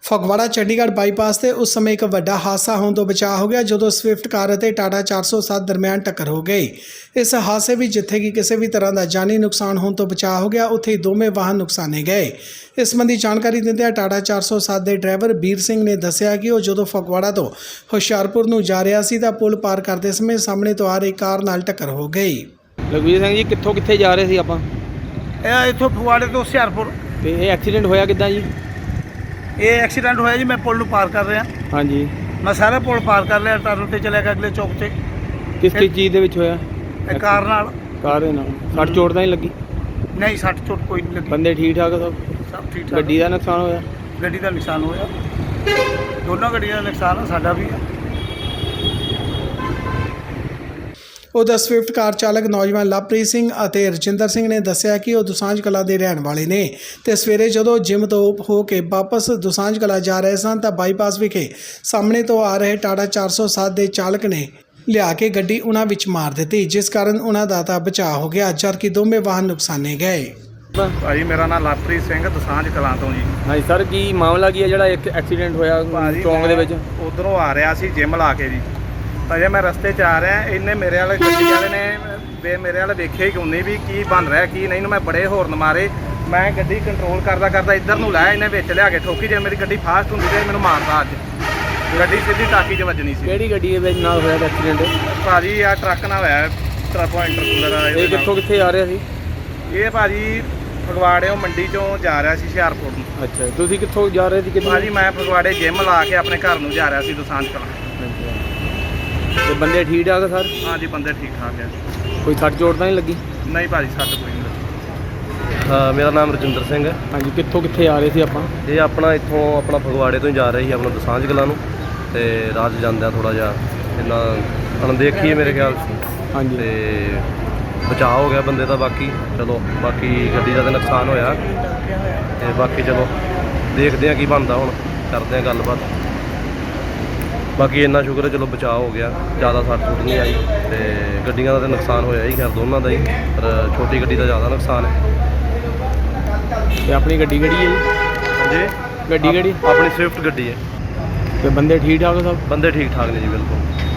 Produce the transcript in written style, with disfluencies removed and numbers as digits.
Phagwara Chandigarh bypass ਤੇ ਉਸ ਸਮੇਂ ਇੱਕ ਵੱਡਾ ਹਾਦਸਾ ਹੋਣ ਤੋਂ ਬਚਾ ਹੋ ਗਿਆ ਜਦੋਂ ਸਵਿਫਟ ਕਾਰ ਅਤੇ ਟਾਟਾ 407 ਦਰਮਿਆਨ ਟੱਕਰ ਹੋ ਗਈ। ਇਸ ਹਾਦਸੇ ਵਿੱਚ ਜਿੱਥੇ ਕਿ ਕਿਸੇ ਵੀ ਤਰ੍ਹਾਂ ਦਾ ਜਾਨੀ ਨੁਕਸਾਨ ਹੋਣ ਤੋਂ ਬਚਾ ਹੋ ਗਿਆ, ਉੱਥੇ ਹੀ ਦੋਵੇਂ ਵਾਹਨ ਨੁਕਸਾਨੇ ਗਏ। ਇਸ ਸੰਬੰਧੀ ਜਾਣਕਾਰੀ ਦਿੰਦਿਆਂ ਟਾਟਾ 407 ਦੇ ਡਰਾਈਵਰ ਵੀਰ ਸਿੰਘ ਨੇ ਦੱਸਿਆ ਕਿ ਉਹ ਜਦੋਂ ਫਗਵਾੜਾ ਤੋਂ ਹੁਸ਼ਿਆਰਪੁਰ ਨੂੰ ਜਾ ਰਿਹਾ ਸੀ ਤਾਂ ਪੁਲ ਪਾਰ ਕਰਦੇ ਸਮੇਂ ਸਾਹਮਣੇ ਤੋਂ ਆ ਰਹੀ ਕਾਰ ਨਾਲ ਟੱਕਰ ਹੋ ਗਈ। ਲਖਵੀਰ ਸਿੰਘ ਜੀ, ਕਿੱਥੋਂ ਕਿੱਥੇ ਜਾ ਰਹੇ ਸੀ ਆਪਾਂ? ਇਹ ਇੱਥੋਂ ਫਗਵਾੜੇ ਤੋਂ ਹੁਸ਼ਿਆਰਪੁਰ। ਤੇ ਇਹ ਐਕਸੀਡੈਂਟ ਹੋਇਆ ਕਿੱਦਾਂ ਜੀ? ਇਹ ਐਕਸੀਡੈਂਟ ਹੋਇਆ ਜੀ, ਮੈਂ ਪੁਲ ਨੂੰ ਪਾਰ ਕਰ ਰਿਹਾ। ਹਾਂਜੀ, ਮੈਂ ਸਾਰਾ ਪੁਲ ਪਾਰ ਕਰ ਲਿਆ, ਟਰਨ ਤੇ ਚਲਿਆ ਗਿਆ ਅਗਲੇ ਚੌਕ ਤੇ। ਕਿਸ ਚੀਜ਼ ਦੇ ਵਿੱਚ ਹੋਇਆ? ਇਹ ਕਾਰ ਨਾਲ। ਕਾਰ ਦੇ ਨਾਲ ਸੱਟ ਚੋਟ ਤਾਂ ਨਹੀਂ ਲੱਗੀ? ਨਹੀਂ, ਸੱਟ ਚੋਟ ਕੋਈ ਨਹੀਂ ਲੱਗੀ। ਬੰਦੇ ਠੀਕ ਠਾਕ ਸਭ? ਸਭ ਠੀਕ ਠਾਕ। ਗੱਡੀ ਦਾ ਨੁਕਸਾਨ ਹੋਇਆ? ਗੱਡੀ ਦਾ ਨੁਕਸਾਨ ਹੋਇਆ, ਦੋਨੋਂ ਗੱਡੀਆਂ ਦਾ ਨੁਕਸਾਨ ਆ, ਸਾਡਾ ਵੀ ਆ। ਉਹਦਾ ਸਵਿਫਟ ਕਾਰ ਚਾਲਕ ਨੌਜਵਾਨ ਲਵਪ੍ਰੀਤ ਸਿੰਘ ਅਤੇ ਰਜਿੰਦਰ ਸਿੰਘ ਨੇ ਦੱਸਿਆ ਕਿ ਉਹ ਦੁਸਾਂਝ ਕਲਾਂ ਦੇ ਰਹਿਣ ਵਾਲੇ ਨੇ ਤੇ ਸਵੇਰੇ ਜਦੋਂ ਜਿਮ ਤੋਂ ਹੋ ਕੇ ਵਾਪਸ ਦੁਸਾਂਝ ਕਲਾਂ ਜਾ ਰਹੇ ਸਨ ਤਾਂ ਬਾਈਪਾਸ ਵਿਖੇ ਸਾਹਮਣੇ ਤੋਂ ਆ ਰਹੇ ਟਾਟਾ 407 ਦੇ ਚਾਲਕ ਨੇ ਲਿਆ ਕੇ ਗੱਡੀ ਉਹਨਾਂ ਵਿੱਚ ਮਾਰ ਦਿੱਤੀ, ਜਿਸ ਕਾਰਨ ਉਹਨਾਂ ਦਾ ਤਾਂ ਬਚਾਅ ਹੋ ਗਿਆ ਜਦਕਿ ਦੋਵੇਂ ਵਾਹਨ ਨੁਕਸਾਨੇ ਗਏ। ਭਾਜੀ ਮੇਰਾ ਨਾਮ ਲਵਪ੍ਰੀਤ ਸਿੰਘ, ਦੁਸਾਂਝ ਕਲਾਂ ਤੋਂ ਜੀ। ਹਾਂਜੀ ਸਰ, ਕੀ ਮਾਮਲਾ ਕੀ ਹੈ ਜਿਹੜਾ ਇੱਕ ਐਕਸੀਡੈਂਟ ਹੋਇਆ ਚੌਂਕ ਦੇ ਵਿੱਚ? ਉਧਰੋਂ ਆ ਰਿਹਾ ਸੀ ਜਿਮ ਲਾ ਕੇ ਜੀ, ਅਜੇ ਮੈਂ ਰਸਤੇ 'ਚ ਆ ਰਿਹਾ, ਇਹਨੇ ਮੇਰੇ ਵਾਲੇ ਗੱਡੀ ਵਾਲੇ ਨੇ ਮੇਰੇ ਵਾਲੇ ਵੇਖਿਆ ਹੀ ਕੋਈ ਨਹੀਂ ਵੀ ਕੀ ਬਣ ਰਿਹਾ ਕੀ ਨਹੀਂ। ਮੈਂ ਬੜੇ ਹੋਰਨ ਮਾਰੇ, ਮੈਂ ਗੱਡੀ ਕੰਟਰੋਲ ਕਰਦਾ ਇੱਧਰ ਨੂੰ ਲਾਇਆ, ਇਹਨੇ ਵਿੱਚ ਲਿਆ ਕੇ ਠੋਕੀ। ਜੇ ਮੇਰੀ ਗੱਡੀ ਫਾਸਟ ਹੁੰਦੀ ਤੇ ਮੈਨੂੰ ਮਾਰਦਾ। ਅੱਜ ਗੱਡੀ ਸਿੱਧੀ ਟਾਕੀ 'ਚ ਵੱਜਣੀ ਸੀ। ਕਿਹੜੀ ਗੱਡੀ ਦੇ ਵਿੱਚ ਨਾਲ ਹੋਇਆ ਐਕਸੀਡੈਂਟ? ਭਾਜੀ ਆ ਟਰੱਕ ਨਾਲ ਹੋਇਆ, ਟਰੱਕ ਇੰਟਰਕੂਲਰ। ਇਹ ਕਿੱਥੋਂ ਕਿੱਥੇ ਆ ਰਿਹਾ ਸੀ? ਇਹ ਭਾਜੀ ਫਗਵਾੜਿਓਂ ਮੰਡੀ 'ਚੋਂ ਜਾ ਰਿਹਾ ਸੀ ਹੁਸ਼ਿਆਰਪੁਰ ਨੂੰ। ਅੱਛਾ, ਤੁਸੀਂ ਕਿੱਥੋਂ ਜਾ ਰਹੇ ਸੀ? ਕਿੱਥੇ? ਭਾਜੀ ਮੈਂ ਫਗਵਾੜੇ ਜਿਮ ਲਾ ਕੇ ਆਪਣੇ ਘਰ ਨੂੰ ਜਾ ਰਿਹਾ ਸੀ ਦੁਸਾਂਝ ਕਲਾਂ। ਤੇ ਬੰਦੇ ਠੀਕ ਠਾਕ ਸਰ? ਹਾਂਜੀ, ਬੰਦੇ ਠੀਕ ਠਾਕ ਹੈ। ਕੋਈ ਸੱਟ ਚੋਟ ਤਾਂ ਨਹੀਂ ਲੱਗੀ? ਨਹੀਂ ਭਾਜੀ, ਸੱਟ ਕੋਈ ਨਹੀਂ ਲੱਗੀ। ਹਾਂ, ਮੇਰਾ ਨਾਮ ਰਜਿੰਦਰ ਸਿੰਘ ਹੈ। ਹਾਂਜੀ, ਕਿੱਥੋਂ ਕਿੱਥੇ ਆ ਰਹੇ ਸੀ ਆਪਾਂ? ਇਹ ਆਪਣਾ ਇੱਥੋਂ ਫਗਵਾੜੇ ਤੋਂ ਹੀ ਜਾ ਰਹੇ ਸੀ ਆਪਣਾ ਦੁਸਾਂਝ ਕਲਾਂ ਨੂੰ, ਤੇ ਰਾਹ 'ਚ ਜਾਂਦਿਆਂ ਥੋੜ੍ਹਾ ਜਿਹਾ ਇਹਨਾਂ ਅਣਦੇਖੀ ਹੈ ਮੇਰੇ ਖਿਆਲ 'ਚ, ਹਾਂਜੀ, ਤੇ ਬਚਾਅ ਹੋ ਗਿਆ ਬੰਦੇ ਦਾ। ਬਾਕੀ ਚਲੋ, ਬਾਕੀ ਗੱਡੀ ਦਾ ਤਾਂ ਨੁਕਸਾਨ ਹੋਇਆ, ਤੇ ਬਾਕੀ ਚਲੋ ਦੇਖਦੇ ਹਾਂ ਕੀ ਬਣਦਾ, ਹੁਣ ਕਰਦੇ ਹਾਂ ਗੱਲਬਾਤ। ਬਾਕੀ ਇੰਨਾ ਸ਼ੁਕਰ ਹੈ ਚਲੋ ਬਚਾਅ ਹੋ ਗਿਆ, ਜ਼ਿਆਦਾ ਸੱਟ ਸੁੱਟ ਨਹੀਂ ਆਈ। ਤੇ ਗੱਡੀਆਂ ਦਾ ਤਾਂ ਨੁਕਸਾਨ ਹੋਇਆ ਹੀ ਖੈਰ ਦੋਨਾਂ ਦਾ ਹੀ, ਪਰ ਛੋਟੀ ਗੱਡੀ ਦਾ ਜ਼ਿਆਦਾ ਨੁਕਸਾਨ ਹੈ। ਤੇ ਆਪਣੀ ਗੱਡੀ ਕਿਹੜੀ ਹੈ ਜੀ? ਹਾਂਜੀ, ਗੱਡੀ ਕਿਹੜੀ? ਆਪਣੀ ਸਵਿਫਟ ਗੱਡੀ ਹੈ। ਤੇ ਬੰਦੇ ਠੀਕ ਠਾਕ ਸਭ? ਬੰਦੇ ਠੀਕ ਠਾਕ ਨੇ ਜੀ, ਬਿਲਕੁਲ।